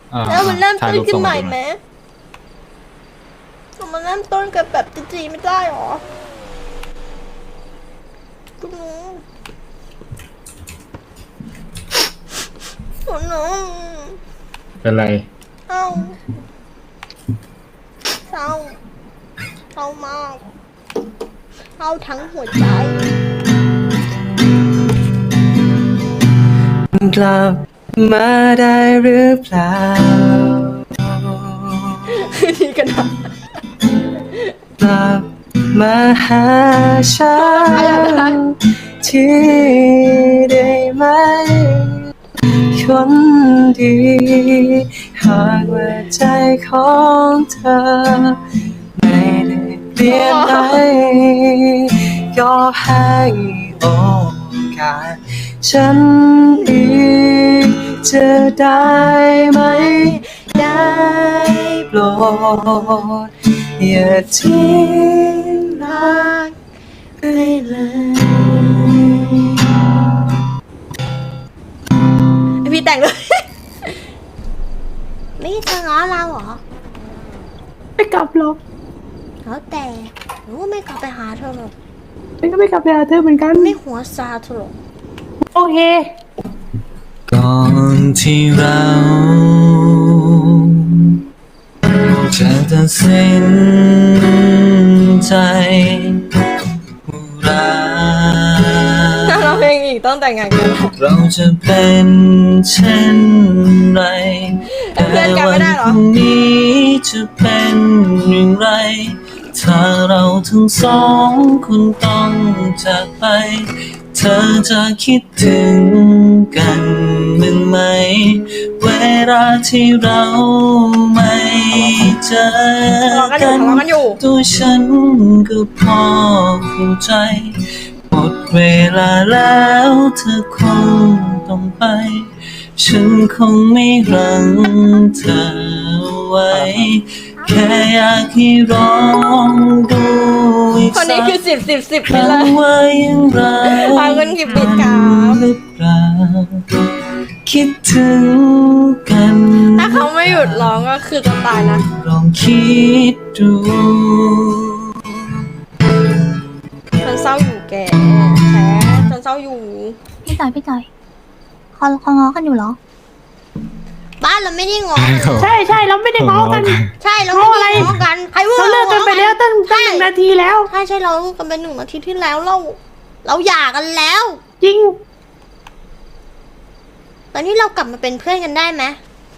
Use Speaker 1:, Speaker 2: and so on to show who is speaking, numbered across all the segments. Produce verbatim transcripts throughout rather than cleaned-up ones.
Speaker 1: อ่า
Speaker 2: แล้วมันเริ่ม
Speaker 1: ถ่าย
Speaker 2: ต้น
Speaker 1: รูป
Speaker 2: ขึ้
Speaker 1: ส่
Speaker 2: น
Speaker 1: ง
Speaker 2: ให
Speaker 1: มา
Speaker 2: ม่
Speaker 1: ดูห
Speaker 2: ไหม
Speaker 1: น่อย
Speaker 2: มันเริ่มต้นกับแบบจีๆไม่ได้หรอคุณหนูคุณหนู
Speaker 1: เป็นไร
Speaker 2: เศร้าเศร้าเศร้ามากเศร้าทั้งหัวใจ
Speaker 3: กลับมาได้หรือเปล่า
Speaker 2: นี่กันนะ
Speaker 3: กลับมาหาฉันที่ได้ไหมคนดีหากว่าใจของเธอไม่ได้เปลี่ยนไปก็ให้โอกาสฉันอีกจะได้ไหมได้โปรดอย่าทิ้งรักไปเลย
Speaker 2: พี่แต่งเลย นี่เธอง้อเราเหรอ
Speaker 4: ไม่กลับหรอก
Speaker 2: แล้วแต่หนูไม่กลับไปหาเธอหรอก
Speaker 4: ฉันก็ไม่กลับไปหาเธอเหมือนกัน
Speaker 2: ไม่หัวซาเธอหรอก
Speaker 4: โอเค
Speaker 3: ก่อนที่เราจะตัดสินใจรัก
Speaker 2: ถ้าเราเพลงอีกต้องแต่งงานกัน
Speaker 3: เราจะเป็นเช่นไร
Speaker 2: เป็นเพื่อนกันไม่ได้เหรอ
Speaker 3: แต่วันพรุ่งนี้จะเป็นอย่างไร ถ้าเราทั้งสองคนต้องจากไป เธอจะคิดถึงกันบ้างไหม เวลาที่เราไม่เจอ
Speaker 2: ทะเลาะกันอยู่ทะเลาะกันอยู่
Speaker 3: ตัวฉันก็พอเข้าใจ หมดเวลาแล้วเธอคงต้องไป ฉันคงไม่รังเธอไว้ แค่อยากให้ลองดูอีก
Speaker 2: คน
Speaker 3: สั
Speaker 2: นี้
Speaker 3: ก
Speaker 2: คือสิบสิบสิบ
Speaker 3: ค
Speaker 2: ไปเล
Speaker 3: รั้ง
Speaker 2: ย
Speaker 3: ว่ายังรัก
Speaker 2: ขอบคุณกิฟต์บิดครับ
Speaker 3: หรือเปล่าคิดถึงกัน
Speaker 2: ถ้าเขาไม่หยุดร้องก็คือจะตายนะ
Speaker 3: ลองคิดดู
Speaker 2: ฉันเศร้าอยู่แกแท้ฉันเศร้าอยู่
Speaker 5: พี่จอยพี่จอยเขาเขาง้อกันอยู่เหรอ
Speaker 2: บ้านเราไม่ได้งอ
Speaker 1: ใช่ครับ
Speaker 4: ใช่ใช่เราไม่ได้ง้อกัน
Speaker 2: ใช่เราไม่ได้งอกันใครว่า
Speaker 4: เราเลิกกันไปแล้วตั้งตั้งหนึ่งนาทีแล้ว
Speaker 2: ใช่ใช่เราเลิกกันไปหนึ่งนาทีที่แล้วเรา เราหย่ากันแล้ว
Speaker 4: จริง
Speaker 2: ตอนนี้เรากลับมาเป็นเพื่อนกันได้ไหม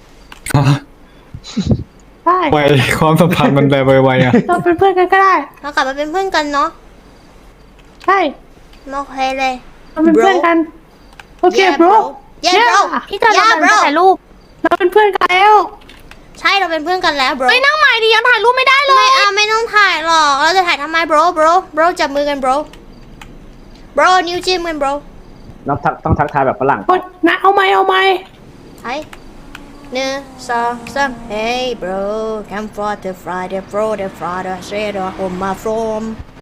Speaker 4: ได้
Speaker 1: ไวความสัมพันธ์มันแบบไวๆอ่ะ
Speaker 4: เราเป็นเพื่อนกันก็ได้
Speaker 2: เรากลับมาเป็นเพื่อนกันเนาะ
Speaker 4: ใช่
Speaker 2: โอเคเลย
Speaker 4: เราเป็นเพื่อนกัน โอเค
Speaker 2: Yeah,
Speaker 4: บร
Speaker 2: bro Yeah bro
Speaker 5: พี่จอยเรา
Speaker 2: Yeah
Speaker 5: เดิน
Speaker 2: bro
Speaker 5: ไปถ่ายรูป
Speaker 4: เราเป็นเพื่อนกันแล้ว
Speaker 2: ใช่เราเป็นเพื่อนกันแล้ว bro
Speaker 5: ไม่นั่งใหม่ดิยังถ่ายรูปไม่ได้เลย
Speaker 2: ไม่เอาไม่ต้องถ่ายหรอก เราจะถ่ายทำไม bro bro bro จับมือกัน bro bro นิ้วจิ้มกัน bro
Speaker 6: ต้องทักต้องทักทายแบบฝรั่ง
Speaker 4: กดนะเอาไหมเอาไหม
Speaker 2: ไปหนึ่งสองสาม Hey bro come for the Friday bro the Friday share the home my from